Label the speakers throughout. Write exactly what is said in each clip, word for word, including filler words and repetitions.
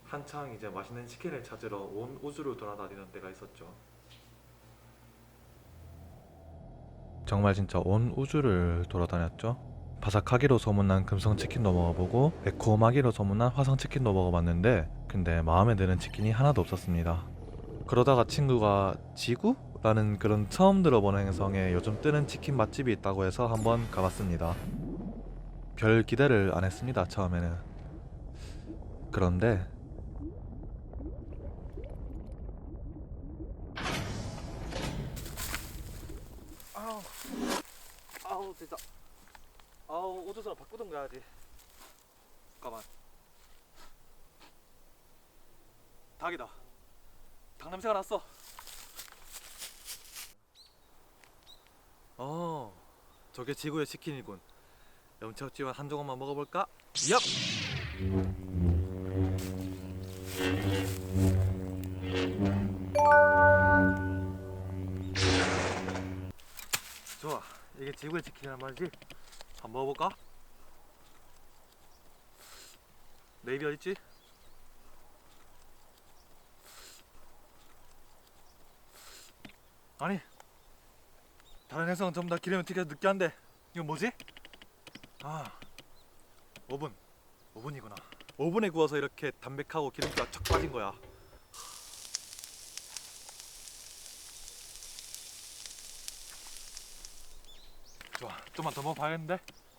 Speaker 1: 한창 이제 맛있는 치킨을 찾으러 온 우주를 돌아다니던 때가 있었죠. 정말 진짜 온 우주를 돌아다녔죠. 바삭하기로 소문난 금성치킨도 먹어보고 매콤하기로 소문난 화성치킨도 먹어봤는데 근데 마음에 드는 치킨이 하나도 없었습니다. 그러다가 친구가 지구? 라는 그런 처음 들어보는 행성에 요즘 뜨는 치킨 맛집이 있다고 해서 한번 가봤습니다. 별 기대를 안 했습니다, 처음에는. 그런데 아우 아우 진짜 아우 우주선을 바꾸던 가야지. 잠깐만. 닭이다. 닭 냄새가 났어. 어, 저게 지구의 치킨이군. 염치없지만 한 조각만 먹어볼까? 얍! 좋아, 이게 지구의 치킨이란 말이지? 한번 먹어볼까? 내 입이 어딨지? 아니, 다른 행성은 전부 다 기름이 튀겨서 느끼한데 이건 뭐지? 아, 오븐. 오븐이구나. 오븐에 구워서 이렇게 담백하고 기름기가 척 빠진 거야. 좋아, 좀만 더 먹어봐야겠는데?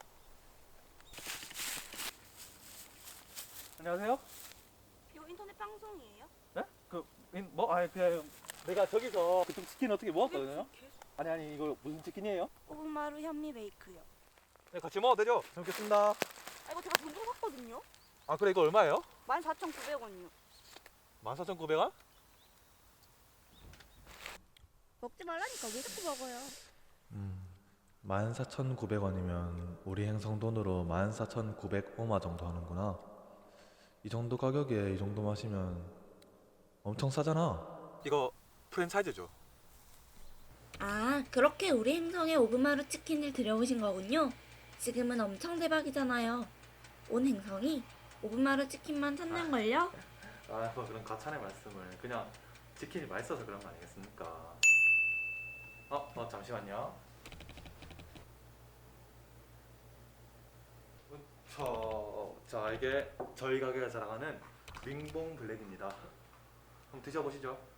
Speaker 1: 안녕하세요?
Speaker 2: 이거 인터넷 방송이에요?
Speaker 1: 네? 그, 인, 뭐, 아니, 그냥 내가 저기서 그쪽 치킨 어떻게 먹었거든요?
Speaker 2: 계속
Speaker 1: 아니, 아니, 이거 무슨 치킨이에요?
Speaker 2: 오브마루 현미 베이크요.
Speaker 1: 네, 같이 먹어도 되죠? 잘 먹겠습니다.
Speaker 2: 아 이거 제가 돈 주고 샀거든요.
Speaker 1: 아, 그래, 이거 얼마예요?
Speaker 2: 만 사천구백 원이요.
Speaker 1: 만 사천구백 원?
Speaker 2: 먹지 말라니까 왜 자꾸 먹어요?
Speaker 1: 음, 만 사천구백 원이면 우리 행성 돈으로 만 사천구백오마 정도 하는구나. 이 정도 가격에 이 정도 마시면 엄청 싸잖아. 이거 프랜차이즈죠?
Speaker 2: 아 그렇게 우리 행성에 오브마루 치킨을 들여오신 거군요. 지금은 엄청 대박이잖아요. 온 행성이 오브마루 치킨만 찾는걸요?
Speaker 1: 아, 뭐 그런 과찬의 말씀을. 그냥 치킨이 맛있어서 그런 거 아니겠습니까? 어, 어 잠시만요. 저, 자 이게 저희 가게가 자랑하는 링봉 블랙입니다. 한번 드셔보시죠.